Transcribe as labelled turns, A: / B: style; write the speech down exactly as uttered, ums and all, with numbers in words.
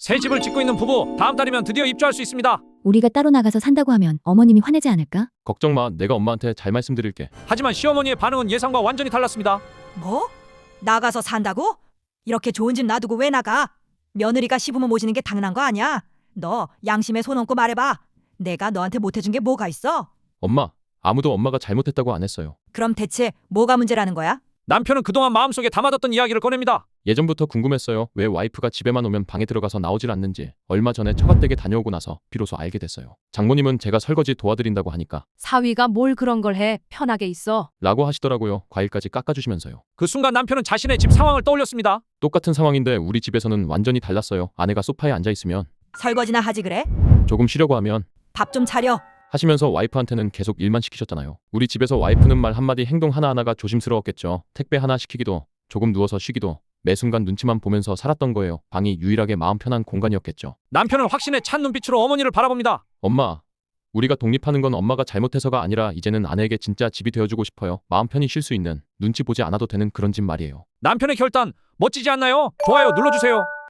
A: 새 집을 짓고 있는 부부, 다음 달이면 드디어 입주할 수 있습니다.
B: 우리가 따로 나가서 산다고 하면 어머님이 화내지 않을까?
C: 걱정 마. 내가 엄마한테 잘 말씀드릴게.
A: 하지만 시어머니의 반응은 예상과 완전히 달랐습니다.
D: 뭐? 나가서 산다고? 이렇게 좋은 집 놔두고 왜 나가? 며느리가 시부모 모시는 게 당연한 거 아니야? 너 양심에 손 얹고 말해봐. 내가 너한테 못해준 게 뭐가 있어?
C: 엄마, 아무도 엄마가 잘못했다고 안 했어요.
D: 그럼 대체 뭐가 문제라는 거야?
A: 남편은 그동안 마음속에 담아뒀던 이야기를 꺼냅니다.
C: 예전부터 궁금했어요. 왜 와이프가 집에만 오면 방에 들어가서 나오질 않는지. 얼마 전에 처갓댁에 다녀오고 나서 비로소 알게 됐어요. 장모님은 제가 설거지 도와드린다고 하니까
E: 사위가 뭘 그런 걸 해. 편하게 있어.
C: 라고 하시더라고요. 과일까지 깎아주시면서요.
A: 그 순간 남편은 자신의 집 상황을 떠올렸습니다.
C: 똑같은 상황인데 우리 집에서는 완전히 달랐어요. 아내가 소파에 앉아있으면,
D: 설거지나 하지 그래?
C: 조금 쉬려고 하면
D: 밥 좀 차려.
C: 하시면서 와이프한테는 계속 일만 시키셨잖아요. 우리 집에서 와이프는 말 한마디 행동 하나하나가 조심스러웠겠죠. 택배 하나 시키기도, 조금 누워서 쉬기도 매 순간 눈치만 보면서 살았던 거예요. 방이 유일하게 마음 편한 공간이었겠죠.
A: 남편은 확신에 찬 눈빛으로 어머니를 바라봅니다.
C: 엄마, 우리가 독립하는 건 엄마가 잘못해서가 아니라 이제는 아내에게 진짜 집이 되어주고 싶어요. 마음 편히 쉴 수 있는, 눈치 보지 않아도 되는 그런 집 말이에요.
A: 남편의 결단 멋지지 않나요? 좋아요 눌러주세요.